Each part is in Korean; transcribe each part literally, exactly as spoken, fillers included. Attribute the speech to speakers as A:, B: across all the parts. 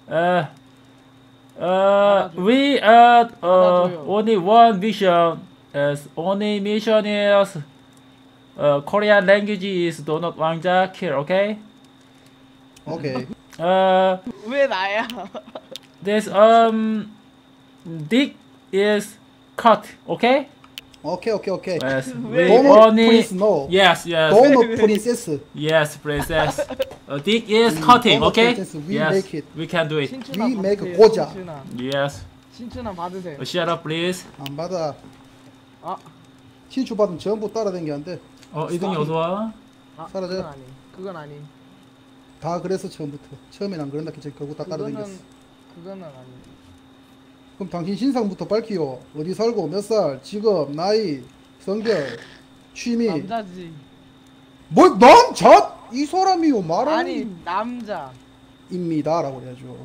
A: Uh, uh, we uh, uh only one mission. As only mission is uh Korean language is donut 왕자 kill. Okay.
B: 오케이.
A: Uh,
C: 왜 나야?
A: this um dick is cut. Okay.
B: 오케이 오케이 오케이.
A: Yes.
C: 왜?
A: We
B: 도넛
A: only.
B: 프린스 노.
A: Yes. Yes.
B: 도넛 프린세스.
A: Yes, princess. Uh, dick is cutting.
B: donut
A: Okay.
B: princess, we
A: Yes.
B: make it.
A: We can do it.
C: 신춘아
B: We make
C: 받으세요,
B: 고자.
C: 신춘아.
A: Yes.
C: 신춘아 받으세요.
A: Uh, shut up, please.
B: 안 받아.
C: 아,
B: 신추 받으면 전부 따라다니는데
A: 어, 이등이 어서 와.
C: 아
B: 사라져.
C: 그건 아니. 그건 아니.
B: 다 그래서 처음부터. 처음엔 안 그런다 했지. 결국 다 따라다녔어.
C: 그거는 그거는 아니.
B: 그럼 당신 신상부터 밝히요. 어디 살고 몇 살, 직업, 나이, 성별, 취미.
C: 남자지.
B: 뭐 남자? 이 사람이요 말하는
C: 아니 남자.
B: 입니다라고 해야죠.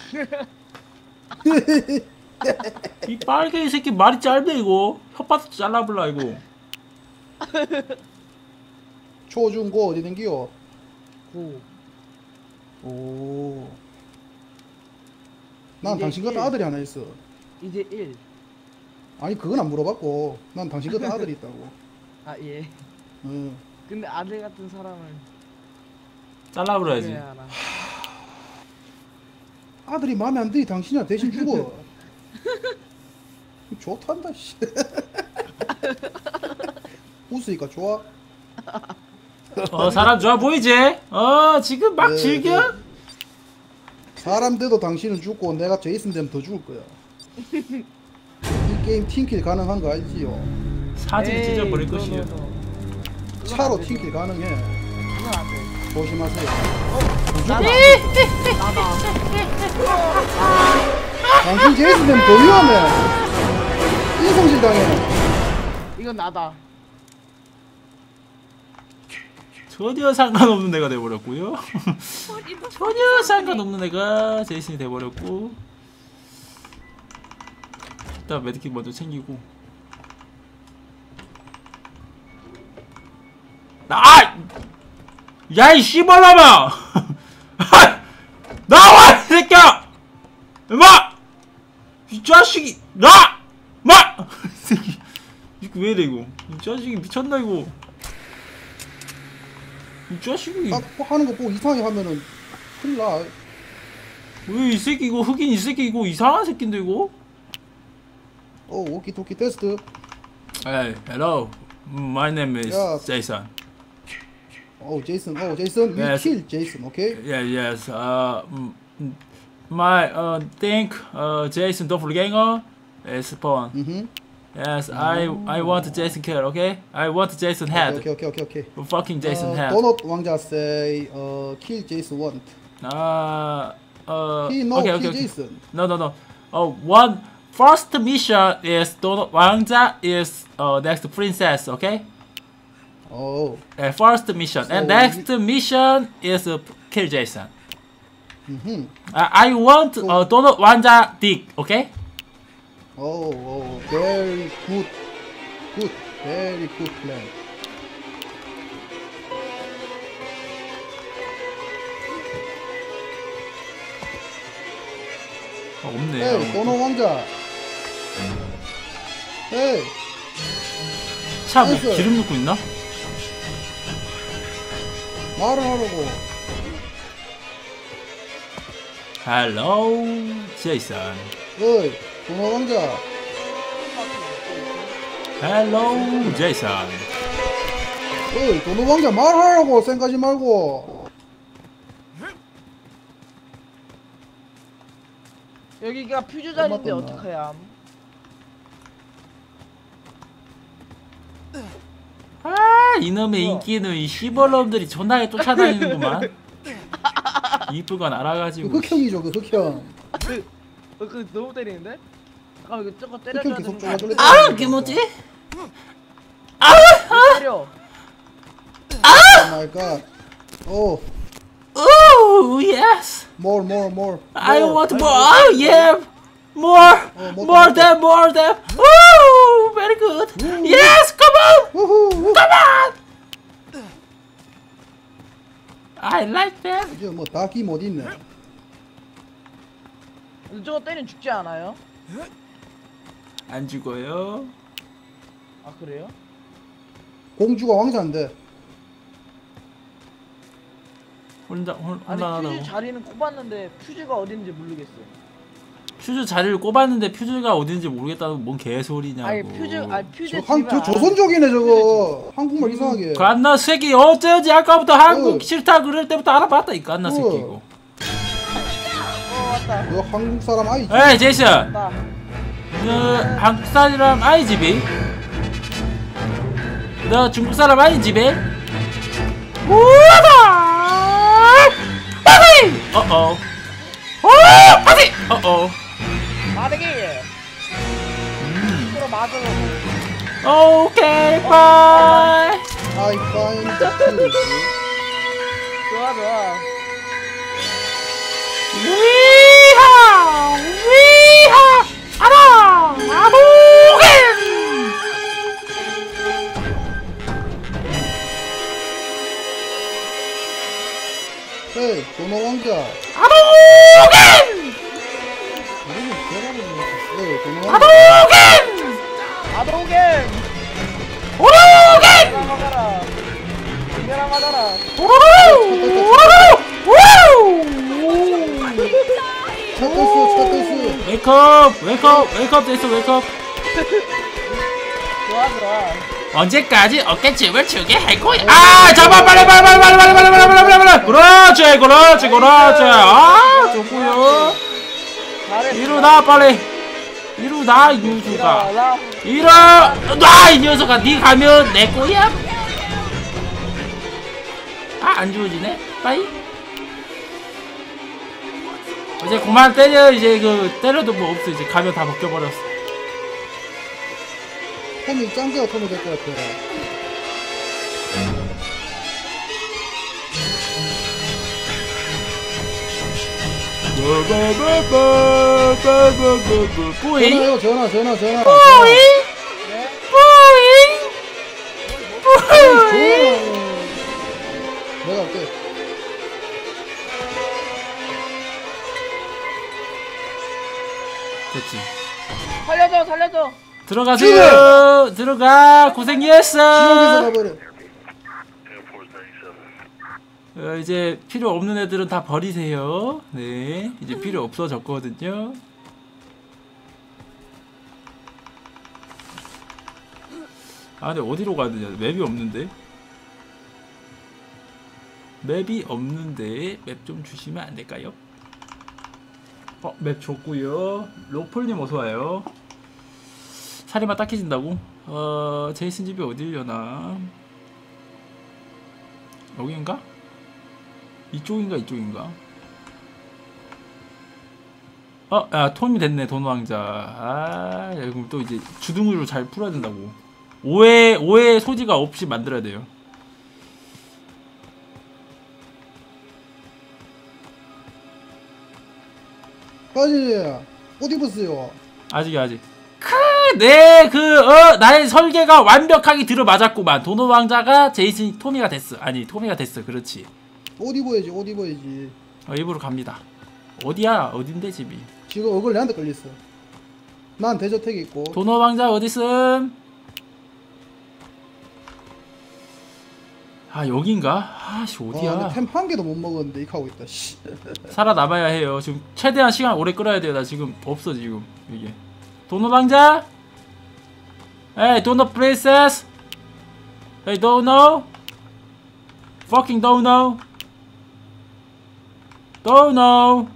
A: 이 빨개 이 새끼 말이 짧네 이거. 혓바닥 잘라볼라 이거.
B: 초중고 어디 댕기요?
C: 고.
B: 오. 난
C: 이제
B: 당신 같은
C: 일.
B: 아들이 하나 있어.
C: 이제 일.
B: 아니 그건 안 물어봤고 난 당신 같은 아들이 있다고.
C: 아 예.
B: 응.
C: 근데 아들 같은 사람을
A: 잘라버려야지.
C: 왜 알아?
B: 아들이 마음에 안 들이 당신이야 대신 죽어. 좋단다 씨. 웃으니까 좋아.
A: 어 사람 좋아 보이지? 어 지금 막
B: 네,
A: 즐겨?
B: 네. 사람 돼도 당신은 죽고 내가 제이슨 되면 더 죽을 거야. 이 게임 팀킬 가능한 거 알지요?
A: 사진
C: 에이,
A: 찢어버릴
C: 너,
A: 것이요.
C: 너, 너. 그건
B: 차로
C: 안 되지.
B: 팀킬 가능해.
C: 그건 안 돼.
B: 조심하세요.
C: 나다. 나다.
B: 당신 제이슨 되면 더 위험해. 인성질 당해.
C: 이건 나다.
A: 전혀 상관없는 애가 돼버렸고요. 전혀 상관없는 애가 제이슨이 돼버렸고. 일단 메디킷 먼저 챙기고. 아! 야이 씨발놈아! 나와 이 새끼야! 임마! 이 자식이 나! 마! 이 새끼 이거 왜 이래 이거? 이 자식이 미쳤나 이거? 이 자식이
B: 딱 하는 거 보고 이상하게 하면은 큰일 나.
A: 왜 이 새끼 이거 흑인 이 새끼 이거 이상한 새끼인데 이거?
B: 어 오키토키 테스트.
A: Hey, hello. My name is
B: 야.
A: Jason.
B: 어 제이슨. 어 제이슨. We
A: Yes.
B: kill 제이슨. 오케이.
A: Yeah, yes. Uh, mm, mm, my uh think uh Jason Doppelganger is spawn.
B: 음.
A: Yes, I I want Jason kill. Okay, I want Jason head.
B: 오케이 오케이 오케이 오케이.
A: Fucking Jason
B: 어,
A: head.
B: 도넛 왕자 say 어 kill 제이슨 want.
A: Uh, uh.
B: He no
A: okay,
B: kill
A: okay, okay.
B: 제이슨.
A: No, no, no. Uh, one first mission is Donut 왕자 is uh next princess. Okay.
B: 어.
A: Uh, first mission
B: So
A: and next mission is uh, kill Jason.
B: 음.
A: Uh, I want uh, Donut 왕자 dick. Okay.
B: 오, 오, very good, good, very good plan.
A: 어, 없네.
B: 에이, 도넛 왕자. 에이,
A: 차 뭐
B: 나이스.
A: 기름 넣고 있나?
B: 말을 하라고.
A: Hello, Jason.
B: 에이, 도넛 왕자.
A: Hello, Jason.
B: 에이, 도넛 왕자 말하라고 생각하지 말고.
C: 여기가 퓨즈 자리인데
B: 엄마 떴나?
C: 어떡해야?
A: 아, 이놈의
C: 뭐야?
A: 인기는 이 시벌놈들이 존나게 쫓아다니는구만. 이쁜 건 알아가지고.
B: 그 흑형이죠, 그 흑형.
C: 그, 어, 그 너무 때리는데? 잠깐 이거 저거
B: 흑형
C: 때려줘야
B: 계속
C: 되는 거
B: 쪼가쪼가.
A: 아, 그게 뭐지?
C: 때려.
B: 오 마이 갓. 오,
A: Ooh, yes.
B: more, more, more.
A: I
B: more.
A: want more. Oh, yeah. More.
B: 어, 뭐
A: More
B: 더
A: than, more than. Ooh, very good. Yes, come on.
B: 우후, 우후.
A: Come on. I like that.
B: 이제 뭐 닭이 못 있네.
C: 근데 저거 때리면 죽지 않아요?
A: 안 죽어요.
C: 아 그래요?
B: 공주가 왕자인데.
A: 혼자 혼,
C: 아니
A: 혼란하다고.
C: 퓨즈 자리는 꼽았는데 퓨즈가 어딘지 모르겠어요.
A: 퓨즈 자리를 꼽았는데 퓨즈가 어딘지 모르겠다는 뭔 개소리냐고.
C: 아니 퓨즈 아니 퓨즈
B: 저, 한,
C: 집을
B: 저
C: 안
B: 조선족이네 저거. 한국말 이상하게.
A: 그 안나 새끼 어쩌지 아까부터 한국
B: 어.
A: 싫다 그럴 때부터 알아봤다 이 안나
B: 어.
A: 새끼고.
C: 어 왔다.
B: 너 한국 사람 아니지?
A: 에이 제이슨,
C: 왔다.
A: 너 한국 사람 아니지 비? 너 중국 사람 아니지 비? 우와다! 빠지! 어어. 오 빠지! 어어.
C: 마대기.
A: 음.
C: 서로 맞으러.
A: 오케이 바이.
B: I find the truth.
C: 좋아 좋아.
A: 위하 위하 아라 아보겐.
B: 헤이 도너 왕자.
A: 아보겐
B: 이러면 대박이네. 에이 도너 왕자.
A: 아보겐
C: 아도겐.
A: 오로겐
C: 내랑 맞아라. 내랑 맞아라.
A: 오로로 오로로
B: 차 떴어 차 떴어.
A: 웨이크업 웨이크업 웨이크업 됐어 웨이크업.
C: 좋아 좋아.
A: 언제까지 어깨춤을 추게 할 거야? 아 잡아 빨리 빨리 빨리 빨리 빨리 빨리 빨리 빨리 빨리 빨리. 그렇지 그렇지 그렇지. 아 좋고요.
C: 잘했어.
A: 일어나 빨리 일어나 유주가
C: 일어나.
A: 일어나 이 녀석아 니 가면 내 거야. 아 안 주워지네 빠이. 이제 그만 때려. 이제 그 때려도 뭐 없어. 이제 가면 다 벗겨버렸어.
B: 톰이 짱개가 톰이 될 것 같아.
A: 뿌잉
B: 전화요 전화 전화 전화.
A: 뿌잉
C: 네.
A: 뿌잉 뿌잉.
B: 내가 할게.
A: 됐지.
C: 살려줘 살려줘.
A: 들어가세요. 들어가.
B: 지옥에서
A: 고생했어.
B: 가버려.
A: 어, 이제 필요 없는 애들은 다 버리세요. 네, 이제 필요 없어졌거든요. 아, 근데 어디로 가야 되냐? 맵이 없는데. 맵이 없는데 맵 좀 주시면 안 될까요? 어, 맵 줬고요. 로폴님 어서 와요. 살이만 딱해진다고? 어, 제이슨 집이 어디려나? 여기인가? 이쪽인가 이쪽인가? 어, 야, 톰이 됐네, 돈왕자. 아, 야, 그럼 또 이제 주둥이로 잘 풀어야 된다고. 오해, 오해 소지가 없이 만들어야 돼요.
B: 빠지. 옷 입었어요.
A: 아직이야, 아직. 크, 네, 그, 어, 나의 설계가 완벽하게 들어맞았구만. 도노왕자가 제이슨, 토미가 됐어. 아니, 토미가 됐어. 그렇지.
B: 옷 입어야지 옷 입어야지.
A: 어, 입으로 갑니다. 어디야? 어딘데, 집이?
B: 지금 얼굴 내한테 걸렸어. 난 대저택에 있고.
A: 도노왕자 어딨음? 아, 여긴가? 아씨, 어디야?
B: 템 한 개도 못 먹었는데 이거 하고 있다. 씨.
A: 살아남아야 해요. 지금 최대한 시간 오래 끌어야 돼요. 나 지금 없어 지금 이게. 도노왕자? Hey, 도노 princess? Hey, 도노? Fucking 도노? 도노?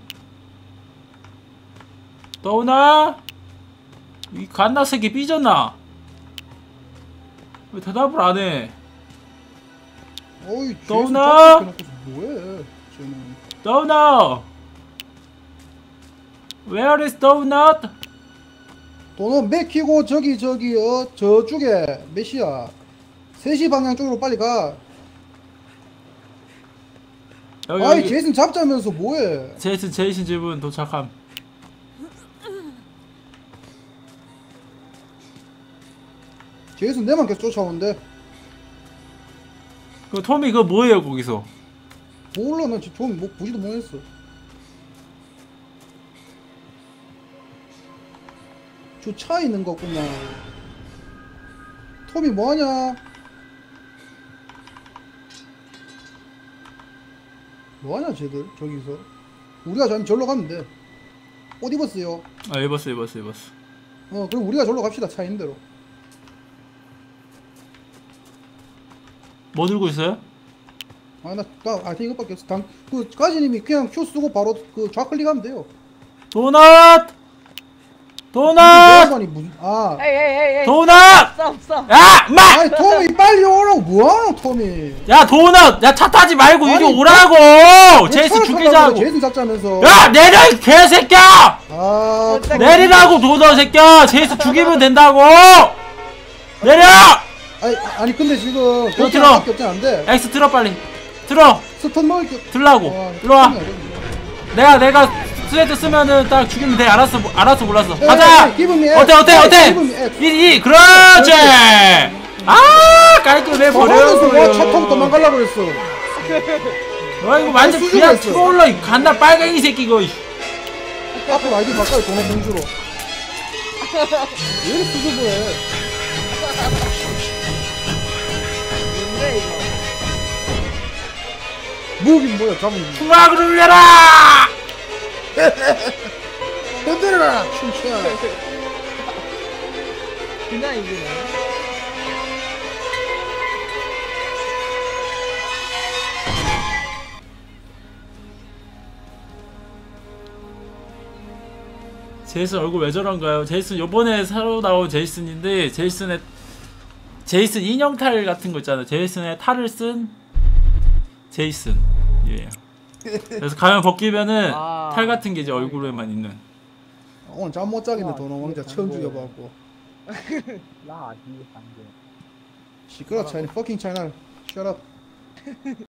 A: 도노? 이 갓나 새끼 삐졌나? 왜 대답을 안 해?
B: 어이
A: 도나?
B: 뭐해? 쟤는.
A: 도노! Where is donut?
B: 도너 맥히고 저기 저기 어 저쪽에 몇 시야? 세 시 방향 쪽으로 빨리 가.
A: 여기,
B: 아이
A: 여기.
B: 제이슨 잡자면서 뭐해?
A: 제이슨 제이슨 집은 도착함.
B: 제이슨 내만 계속 쫓아오는데.
A: 그 토미 그거 뭐예요 거기서?
B: 몰라 나 지금 뭐 보지도 못했어. 주차 있는 거구나. 톰이 뭐하냐? 뭐하냐 쟤들 저기서. 우리가 저 절로 가면 돼. 옷 입었어요.
A: 아 입었어 입었어 입었어.
B: 어 그럼 우리가 절로 갑시다. 차 있는 대로.
A: 뭐 들고 있어요?
B: 아나나 아이템 이것밖에 없어. 당, 그 가지님이 그냥 Q 쓰고 바로 그 좌클릭하면 돼요.
A: 도넛! 도넛!
B: 아니 무슨 아
C: 에이 에이 에이 에이.
A: 도넛!
C: 스톱 스톱.
A: 야! 마!
B: 아니 톰이 빨리 오라고 뭐하노 톰이.
A: 야 도넛! 야 차 타지 말고 이리
B: 아니,
A: 오라고! 제이슨
B: 차를
A: 죽이자고!
B: 타려고 그래, 제이슨 잡자면서.
A: 야 내려 이 개새끼야!
B: 아 톰.
A: 내리라고 도넛 새끼야! 제이슨 죽이면 된다고! 내려!
B: 아니 아니 근데 지금
A: 너
B: 그렇게
A: 들어.
B: 밖에 없진 않은데.
A: 엑스 들어 빨리! 들어!
B: 스턴 먹을 게.
A: 들라고!
B: 와,
A: 일로와!
B: 스턴이 어렵네.
A: 내가 내가 스웨트 쓰면은 딱 죽이면 돼. 알았어 뭐- 알았어 몰랐어.
B: 에이,
A: 가자.
B: 에이, give me
A: 어때
B: X.
A: 어때
B: 에이,
A: 어때?
B: give me X.
A: 이 이 그렇지. 아 깔끔해 버려.
B: 저하면서 뭐차 타고 도망가려고 그랬어.
A: 와 이거 완전
B: 아니,
A: 그냥
B: 수줍어했어.
A: 트롤러 이 갓나 빨갱이 새끼 이거. 이씨.
B: 앞으로 아이디 바꿔요 도넛 공주로. 왜 이렇게 수줍어해?
C: 뭔데 이거?
B: 무긴 뭐야 잡은 거.
A: 풍악을 울려라.
B: 흔들어라 춤추야.
C: 그냥 이기네.
A: 제이슨 얼굴 왜 저런가요? 제이슨 요번에 새로 나온 제이슨인데 제이슨의 제이슨 인형 탈 같은 거 있잖아요. 제이슨의 탈을 쓴 제이슨. 예. 그래서 가면 벗기면은
C: 아.
A: 탈 같은 게 이제 얼굴에만 있는.
B: 오늘 잠 못 자겠네 도넛 왕자 처음 죽여봐갖고. 시끄러 차이나 fucking 차이나. Shut up.